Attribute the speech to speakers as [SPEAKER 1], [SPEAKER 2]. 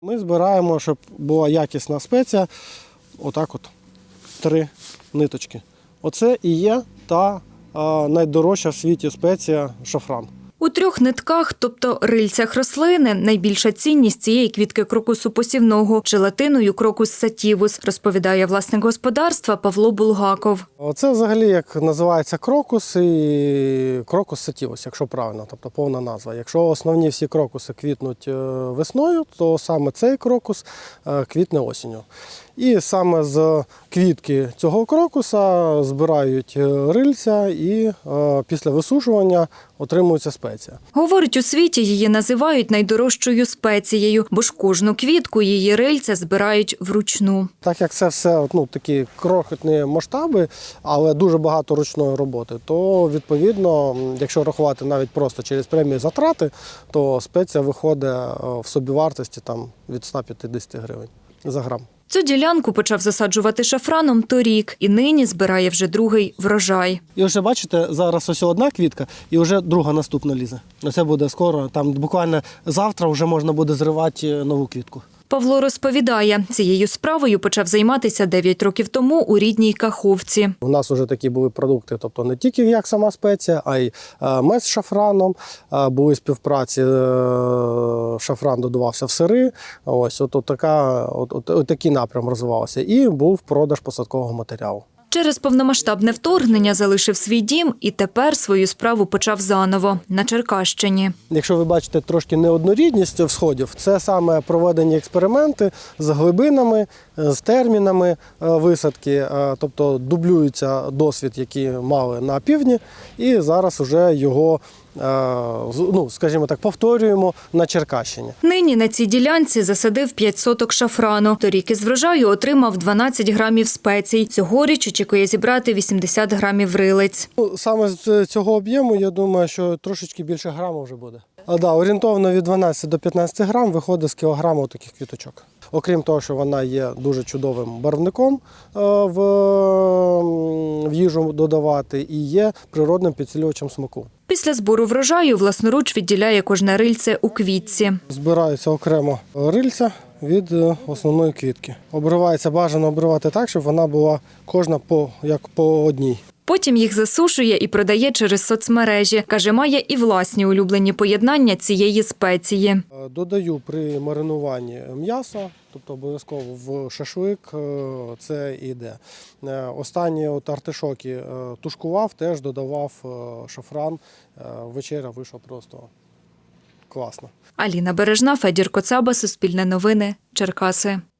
[SPEAKER 1] Ми збираємо, щоб була якісна спеція, отак от 3 ниточки. Оце і є та найдорожча в світі спеція шафран.
[SPEAKER 2] У 3 нитках, тобто рильцях рослини, найбільша цінність цієї квітки крокусу посівного – желатиною крокус сатівус, розповідає власник господарства Павло Булгаков.
[SPEAKER 1] Це взагалі як називається крокус і крокус сатівус, якщо правильно, тобто повна назва. Якщо основні всі крокуси квітнуть весною, то саме цей крокус квітне осінню. І саме з квітки цього крокуса збирають рильця і після висушування отримується спеція.
[SPEAKER 2] Говорить, у світі її називають найдорожчою спецією, бо ж кожну квітку її рильця збирають вручну.
[SPEAKER 1] Так як це все такі крохотні масштаби, але дуже багато ручної роботи, то відповідно, якщо рахувати навіть просто через прямі затрати, то спеція виходить в собівартості від 150 гривень за грам.
[SPEAKER 2] Цю ділянку почав засаджувати шафраном торік і нині збирає вже другий врожай.
[SPEAKER 1] І вже бачите, зараз ось одна квітка і вже друга наступна лізе. Це буде скоро, буквально завтра вже можна буде зривати нову квітку.
[SPEAKER 2] Павло розповідає, цією справою почав займатися 9 років тому у рідній Каховці.
[SPEAKER 1] У нас вже такі були продукти, тобто не тільки як сама спеція, а й мед з шафраном, були співпраці, шафран додавався в сири, ось такий напрям розвивався. І був продаж посадкового матеріалу.
[SPEAKER 2] Через повномасштабне вторгнення залишив свій дім і тепер свою справу почав заново на Черкащині.
[SPEAKER 1] Якщо ви бачите трошки неоднорідність всходів, це саме проведені експерименти з глибинами, з термінами висадки, тобто дублюється досвід, який мали на півдні, і зараз вже його, скажімо так, повторюємо на Черкащині.
[SPEAKER 2] Нині на цій ділянці засадив 5 соток шафрану. Торік із врожаю отримав 12 грамів спецій. Цьогоріч очікує зібрати 80 грамів рилиць.
[SPEAKER 1] Саме з цього об'єму, я думаю, що трошечки більше граму вже буде. Орієнтовно від 12 до 15 грам виходить з кілограму таких квіточок. Окрім того, що вона є дуже чудовим барвником в їжу додавати і є природним підсилювачем смаку.
[SPEAKER 2] Після збору врожаю власноруч відділяє кожне рильце у квітці.
[SPEAKER 1] Збираються окремо рильця від основної квітки. Бажано обривати так, щоб вона була кожна по одній.
[SPEAKER 2] Потім їх засушує і продає через соцмережі. Каже, має і власні улюблені поєднання цієї спеції.
[SPEAKER 1] Додаю при маринуванні м'яса, тобто обов'язково в шашлик це йде. Останні артишоки тушкував, теж додавав шафран. Вечеря вийшла просто класно.
[SPEAKER 2] Аліна Бережна, Федір Коцаба, Суспільне новини, Черкаси.